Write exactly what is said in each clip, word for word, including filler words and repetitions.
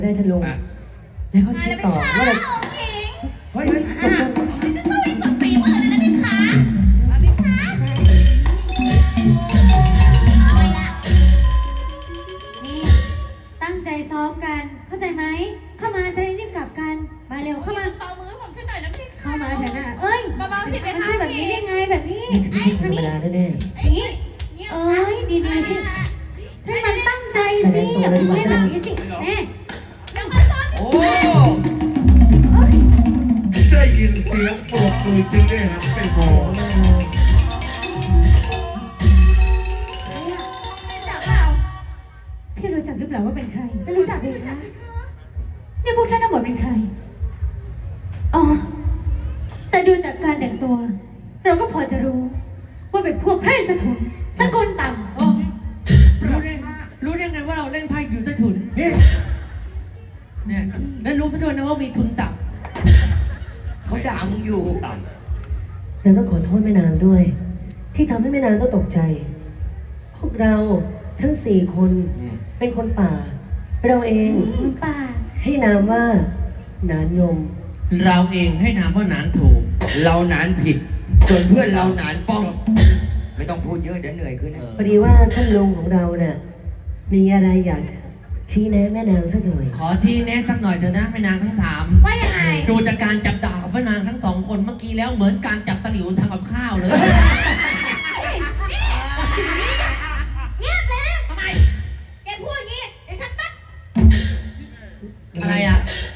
ได้ท่านลุงแล้วเขาคิดต่อว่าอะไรเฮ้ยเฮ้ยจะสู้อีกสองปีเมื่อไรนะพี่ขาพี่ขาอะไรล่ะนี่ตั้งใจซ้อมกันเข้าใจไหมเข้ามาจะได้รีบกลับกันมาเร็วเข้ามาเบามือผมช่วยหน่อยนะพี่เข้ามาเถอะนะเอ้ยเบาๆสิเป็นมันใช่แบบนี้ได้ไงแบบนี้นี่จะไม่ใช่ธรรมดาแน่ๆนี่เอ้ยดีๆสิให้มันตั้งใจสิอย่าไปเล่นแบบนี้สิแม่โอ้ได้ยินเสียงปรบมือจริงด้วยครับเป็นโมพี่รู้จักหรือเปล่าว่าเป็นใครไม่รู้จักเลยนะนี่พวกท่านทั้งหมดเป็นใครอ๋อแต่ดูจากการแต่งตัวเราก็พอจะรู้ว่าเป็นพวกไพร่สะทุนสกุลต่ำรู้ได้รู้ได้ไงว่าเราเล่นไพ่อยู่ใต้ถุนเนี่ยแล้วรู้ซะด้วยนะว่ามีทุนต่ำเขาด่ามึงอยู่เราต้องขอโทษแม่นางด้วย ที่ทำให้แม่นางต้องตกใจพวกเราทั้งสี่คนเป็นคนป่าเราเองป่าให้นามว่าหนานยมเราเองให้นามว่าหนานถูกเราหนานผิดส่วนเพื่อนเราหนานป้องไม่ต้องพูดเยอะเดี๋ยวเหนื่อยขึ้นนะพอดีว่าท่านลุงของเราเนี่ยมีอะไรอยากชี้แนะแม่นางสักหน่อยขอชี้แนะสักหน่อยเถอะนะแม่นางทั้งสามว่ายังไงดูจากการจับดาบของแม่นางทั้งสองคนเมื่อกี้แล้วเหมือนการจับตะหลิวทำกับข้าวเลยเงียบเลยนะทำไมแกพูดอย่างนี้ไอ้ทัดตัดอะไรอะ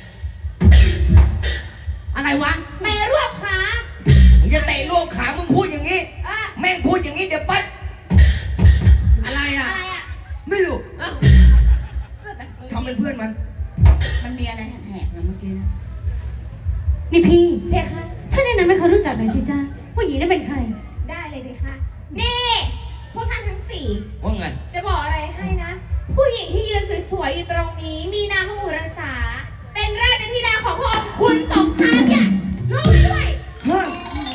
อะไรวะแม่รวบขามึงจะเตะรวบขามึงพูดอย่างนี้แม่งพูดอย่างนี้เดี๋ยวปั๊ดอะไรอะอะไรอะไม่รู้ทำเป็นเพื่อนมันมันมีอะไรแหกๆนะเมื่อกี้นะนี่พี่เพคะฉันแนะนำให้เขารู้จักหน่อยสิจ้าผู้หญิงนั่นเป็นใครได้เลยเพคะนี่พวกท่านทั้งสี่ว่าไงจะบอกอะไรให้นะผู้หญิงที่ยืนสวยๆอยู่ตรงนี้มีนามว่าอุรสาเป็นราชธิดาของพระองค์คุณสงครามเนี่ยรู้ด้วยฮะ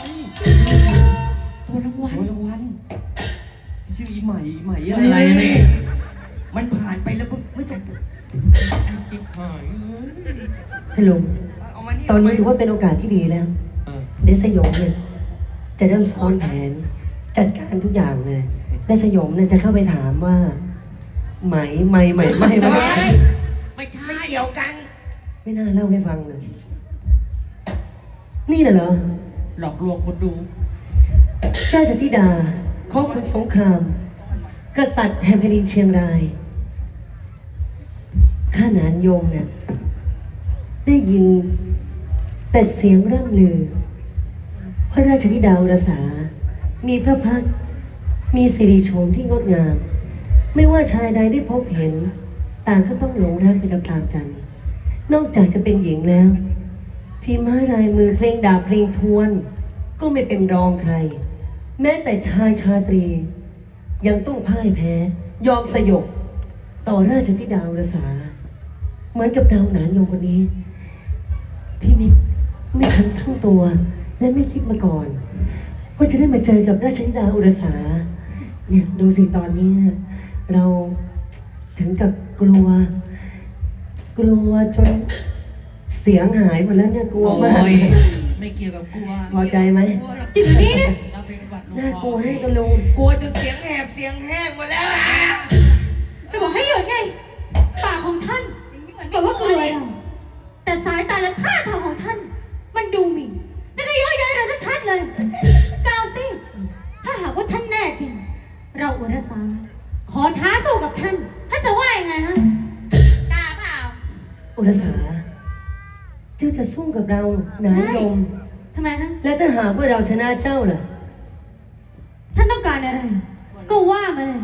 ตัวรางวัลตัวรางวัลชื่ออีใหม่ใหม่อะไรนี่มันผ่านไปแล้วไม่ต้องท่านลุงตอนนี้ถือว่าเป็นโอกาสที่ดีแล้วเดชสยมเนี่ยจะเริ่มซ้อนแผนจัดการทุกอย่างเลยเดชสยมเนี่ยจะเข้าไปถามว่าไหมไม่ไหมไม่ไม่ไม่ใช่ไม่เกี่ยวกันไม่น่าเล่าให้ฟังเลยนี่น่ะเหรอหลอกลวงคนดูเจ้าจติดาของคุณสงครามกษัตริย์แห่งแผ่นดินเชียงรายข้าหนานยมเนี่ยได้ยินแต่เสียงร่ำลือพระราชธิดาอุรสามีพระพักตร์มีสิริโฉมที่งดงามไม่ว่าชายใดได้พบเห็นต่างก็ต้องหลงรักไปตามๆกันนอกจากจะเป็นหญิงแล้วฝีไม้ลายมือเพลงดาบเพลงทวนก็ไม่เป็นรองใครแม้แต่ชายชาตรียังต้องพ่ายแพ้ยอมสยบต่อราชธิดาอุรสาเหมือนกับดาวหนานยมคนนี้ที่ไม่ไม่ทันทั้งตัวและไม่คิดมาก่อนว่าจะได้มาเจอกับราชธิดาอุรสาเนี่ยดูสิตอนนี้นะเราถึงกับกลัวกลัวจนเสียงหายหมดแล้วเนี่ยกลัวมากไม่เกี่ยวกับกลัวพอใจไหมจิตนี้นะน่ากลัวให้ตะลุงกลัวจนเสียงแหบเสียงแห้งหมดแล้วอ่ะจะบอกให้หยุดไงปากของท่านบอกว่ากลัวเราแต่สายตาและท่าทางของท่านมันดูหมิ่นแล้วก็เยอะแยะเราชัดเลยกล่าวสิถ้าหากว่าท่านแน่จริงเราอุรสาขอท้าสู้กับท่านท่านจะว่ายังไงฮะกล้าเปล่าอุรสาเจ้าจะสู้กับเราหนานยมทำไมฮะและถ้าหากว่าเราชนะเจ้าล่ะท่านต้องการอะไรก็ว่ามาเลย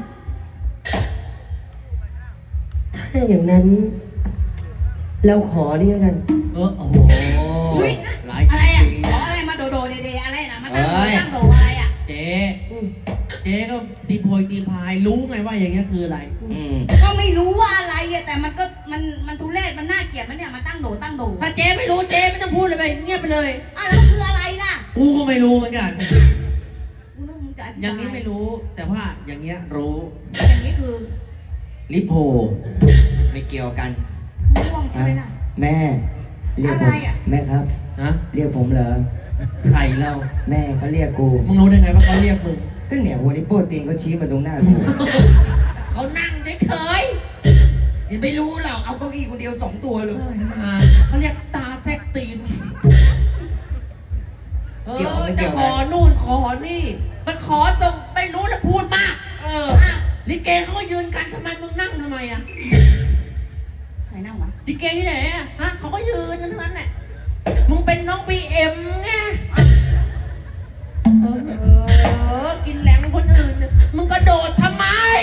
ถ้าอย่างนั้นเราขอนี่กันเออโอ้โหอะไรอ่ะอะไรมาโดโดเดเดอะไรนะมาตั้งตั้งโดอะไรอ่ะเจ๊เจ๊ก็ตีโพยตีพายรู้ไงว่าอย่างเงี้ยคืออะไรก็ไม่รู้ว่าอะไรอ่ะแต่มันก็มันมันทุเรศมันน่าเกลียดมันเนี่ยมาตั้งโดตั้งโดถ้าเจ๊ไม่รู้เจ๊ไม่ต้องพูดเลยไปเงียบไปเลยอ่ะแล้วคืออะไรล่ะกูก็ไม่รู้เหมือนกันอย่างนี้ไม่รู้แต่ว่าอย่างเงี้ยรู้อย่างนี้คือลิโพไม่เกี่ยวกันม่วงใช่ไหมล่ะแม่เรียกผมอะไรอ่ะแม่ครับฮะเรียกผมเหรอใครเราแม่เขาเรียกกูมึงรู้ได้ไงว่าเขาเรียกมึงก็เนี่ยวันนี้โป้ตีนเขาชี้มาตรงหน้ากูเขานั่งเฉยยังไม่รู้หรอกเอาเก้าอี้คนเดียวสองตัวเลยๆมาเขาเรียกตาแซกตีนเอเกี่ยวอไม่จะเกี่ยวขอนู่นขอนี่มันขอตรงไม่รู้แล้วพูดมาก เออลิเกเขาก็ยืนกันทำไมมึงนั่งทำไมอ่ะใครนั่งวะลิเกที่ไหนอ่ะฮะเขาก็ยืนกันทั้งนั้นแหละมึงเป็นน้องบีเอ็มไงเออเออกินแหลมคนอื่นเนี่ยมึงกระโดดทำไม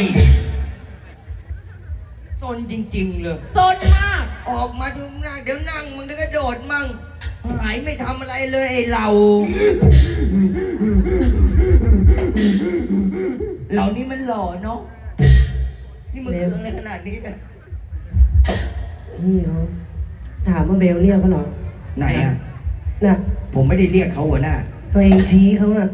ซนจริงๆเลยโซนมากออกมาดูหน้าเดี๋ยวนั่งมึงเดี๋ยวก็โดดมั่งหายไม่ทำอะไรเลยไอ้เรา เรานี่มันหล่อเนาะนี่มึงเคืองอะไรขนาดนี้เนี่ยพี่เขาถามว่าเบลเรียกเขาเหรอไหนอ่ะน่ะผมไม่ได้เรียกเขาหัวหน้าตัวเองชี้เขาน่ะ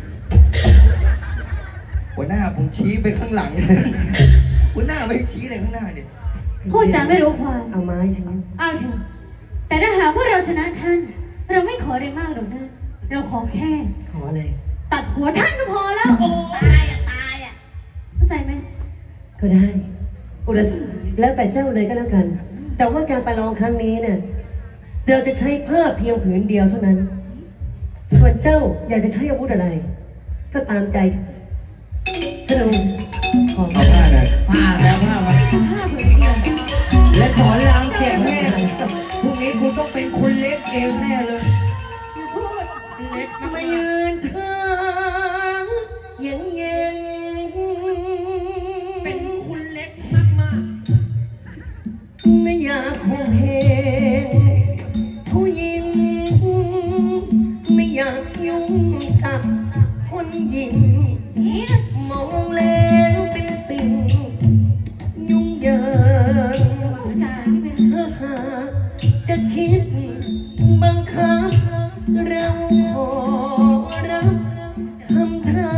หัวหน้าผมชี้ไปข้างหลัง หัวหน้าไม่ได้ชี้อะไรข้างหน้าเนี่ยพูดจาไม่รู้ความเอาไม้ชี้เอาเถอะแต่ถ้าหากว่าเราชนะท่าน เราไม่ขออะไรมากหรอกนะ เราขอแค่ขออะไรตัดหัวท่านก็พอแล้วโอ้ตายอ่ะตายอ่ะเข้าใจไหมก็ได้ อุรสาแล้วแต่เจ้าเลยก็แล้วกัน แต่ว่าการประลองครั้งนี้เนี่ย เราจะใช้ผ้าเพียงผืนเดียวเท่านั้น ส่วนเจ้าอยากจะใช้อาวุธอะไร ก็ตามใจท่านองค์ขอเอาผ้าหน่อยผ้าแล้วผ้ามาผ้าผืนเดียวและสอนรามเสียงแม่พรุ่งนี้คุณต้องเป็นคุณเล็กเองแน่เลยเล็กมากมายืนทางเย็นเย็นๆเป็นคุณเล็กมากไม่อยากคงเพงผู้หญิง ไม่อยากยุ่งกับคนหญิงนี่นะมองแล้วเป็นสิ่ง ยุ่งยากพูดจาที่เป็นถ้าหากจะคิดบังคับ เราขอรับคำท้า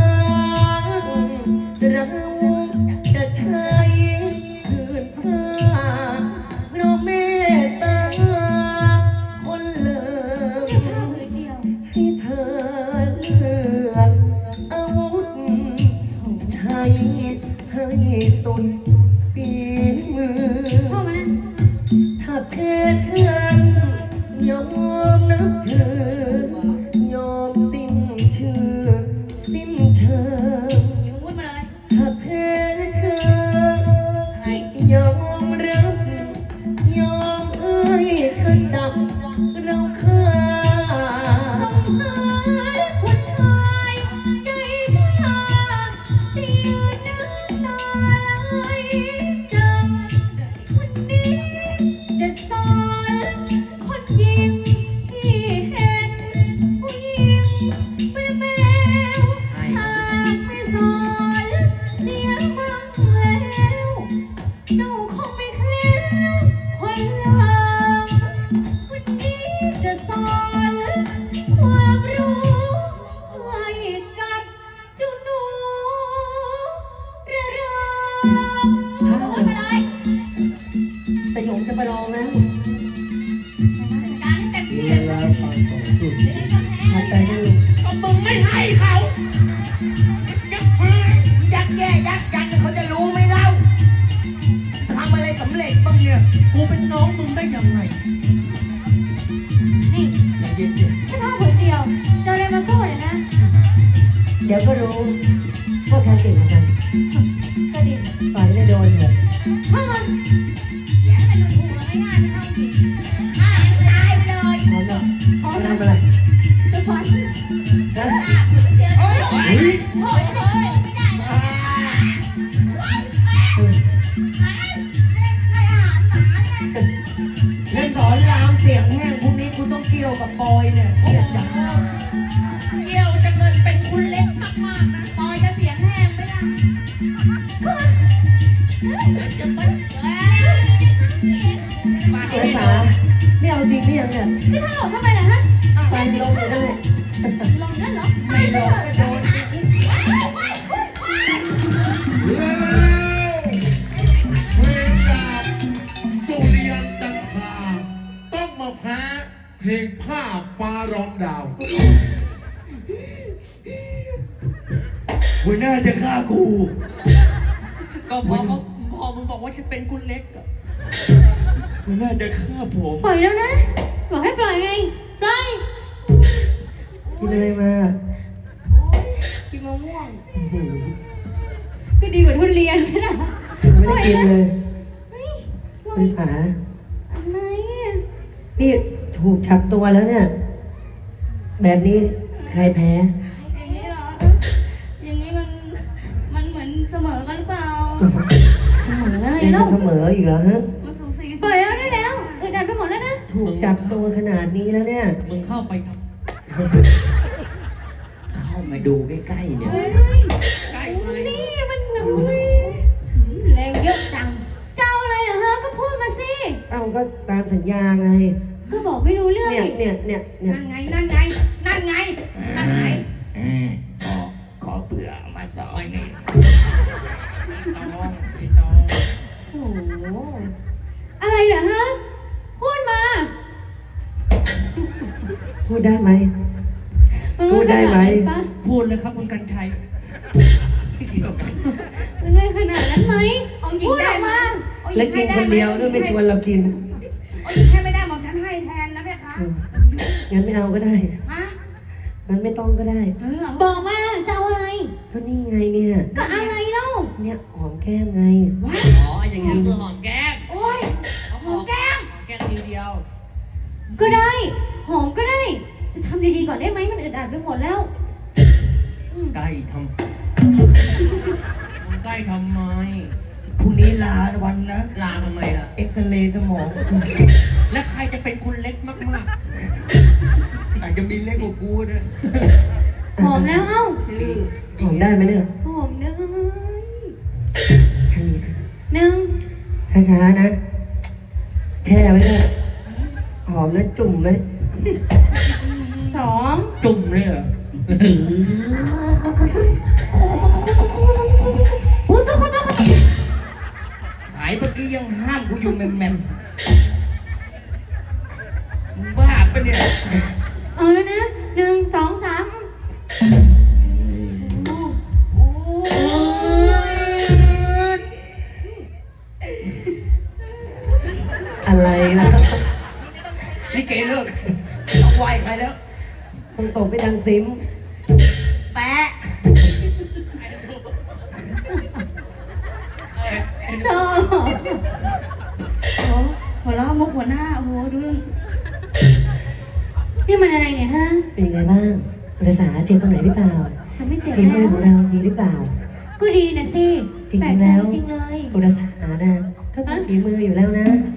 เราจะใช้ผืนผ้าเพราะเมตตาคนเลิศผ้าผืนเดียวให้เธอเลือกอาวุธใช้ให้สุดฝีมือเข้ามานะถ้าแพ้ท่านยอมนับถือยอมสิ้นชื่อสิ้นเชิงหยิบอาวุธมาเลยถ้าแพ้เธออะไรยอมรับยอมเอ้ยเธอจับเราฆ่าสงสารผู้ชายใจกล้าที่ยืนนึกตาไหลจังวันนี้จะสอนคนยิงที่เห็นผู้หญิงเป็นแมวหากไม่สอนเสียมั่งแล้ว เจ้าคงไม่เคลิ้วคนหลังวันนี้จะสอนความรู้ให้กับเจ้าหนูระรำเอาอาวุธมาเลยสยองจะไปลองนะจัดการให้เต็มที่เลยหัดใจดูๆก็มึงไม่ให้เขาจะพายักแย่ยักยันเขาจะรู้ไหมเล่าทำอะไรสำเร็จบ้างเนี่ยกูเป็นน้องมึงได้ยังไงนี่ใจเย็นแค่ผ้าผืนเดียวจะเอาอะไรมาสู้เนี่ยนะเดี๋ยวก็รู้ว่าใครเก่งกว่ากันก็ดีฝันไม่โดนเถอะเข้ามาอย่าให้มันถูกๆง่ายๆไม่เข้าจริงฆ่าให้ตายไปเลยพร้อมแล้วพร้อมจะแล้วทำอะไรไปฝันนะฆ่าผืนเดียวโอ้ยโอ้ยโอ้ยโอ้ยไม่ได้เลยโอ้ยแม่เออแม่เล่นให้อาหารหมาไงๆและสอนรามเสียงแห้งพรุ่งนี้กูต้องเกี่ยวกับบอยเนี่ยเครียดจังเกี่ยวจะเงินเป็นคุณเล็กมากๆนะปอยจะเสียงแห้งไม่ได้จะไปเอ้ยมาอุที่รนี่สาไม่เอาจริงหรือยังเนี่ยไม่ท่าออกทำไมล่ะฮะไปลงอยู่ได้ลงนั่นเหรอไม่ลงก็โดนแล้วเวรจากสุริยันจันทราเพลงภาพฟ้าร้องดาวหัวหน้าจะฆ่ากูก็พอเขาพอมึงบอกว่าจะเป็นคุณเล็กอะหัวหน้าจะฆ่าผมปล่อยแล้วนะ บอกให้ปล่อยไง ปล่อยกินอะไรมากินมะม่วงอื้อหือก็ดีกว่าทุเรียนนะไม่ได้กินเลยเฮ้ยภาษาอะไรอะนี่ถูกจับตัวแล้วเนี่ย แบบนี้ใครแพ้อย่างนี้เหรอ อย่างนี้มัน มันเหมือนเสมอกันหรือเปล่าเสมออะไรยังแล้จะวเสมออีกเหรอฮะมันสูสีปล่อยแล้วได้แล้วอึดอัดไปหมดแล้วนะถูกจับตัวขนาดนี้แล้วเนี่ยมึงเข้าไปทเข้ามาดูใกล้ๆเนี่ยเฮ้ยำใกล้ไปนี่มันหนูแรงเยอะจัง เจ้าอะไรเหรอฮะ ก็พูดมาสิเอ้าก็ตามสัญญาไงก็บอกไม่รู้เรื่องเนี่ยอีกเนี่ยเนี่ยเนี่ยนั่นไง นั่นไง นั่นไง นั่นไงขอขอเผื่อมาสอนนี่ตองไอ้ตองโอ้โห อะไรเหรอฮะ พูดมาพูดได้ไหมมันพูดได้ไหมขนานั้นปะพูดเลยครับคุณกันชัยมันไม่ขนาดนั้นไหมเอาหญิงพูดได้ออกไหมมาเอาหญิและงกิให้นได้คนไหมเดียวด้วยไม่ชวนเรากินเอาหญิงให้ไม่ได้หมอมฉันให้แทนนะเพคะอืมงั้นไม่เอาก็ได้ฮะงั้นไม่ต้องก็ได้เออเอาบอกมาจะเอาอะไรก็นี่ไงเนี่ยก็อะไรเล่าเนี่ยหอมแก้มไงอ๋อ อย่างนี้คือหอมแก้มโอ้ยหอมแก้ม หอมแก้มทีเดียวก็ได้ หอมก็ได้แต่ทำดีๆก่อนได้ไหมมันอึดอัดไปหมดแล้วอืมใกล้ทำมึงใกล้ทำไมพรุ่งนี้ลาวันนะลาทำไมล่ะเอ็กซเรย์สมองและใครจะเป็นคุณเล็กมากอาจจะมีเล็กกว่ากูนะหอมแล้วเอ้าๆ ชื่อหอมได้ไหมเนี่ยหอมเลยแค่นี้หนึ่งช้าๆนะ แช่ไว้เลยหอมแล้วจุ่มไหมสองจุ่มเลยเหรอหายเมื่อกี้ยังห้ามกูอยู่แมมแมมมึงบ้าปะเนี่ยเอาแล้วนะหนึ่งสองสามโอ้โอ้ยอะไรล่ะลิเกเลิกต้องไหวใครแล้วคงตกไปดังซิมแปะเจ้าโอ้หัวเราะมุกหัวหน้า โอ้โห ดูนี่มันอะไรเนี่ยฮะเป็นยังไงบ้างภาษาเจ็บตรงไหนหรือเปล่ามันไม่เจ็บฝีมืแล้อวของเราดีหรือเปล่าก็ดีนะสิจริงๆแปลกใจแล้วจริงเลยบุรษานะก็มีฝีมืออยู่แล้วนะ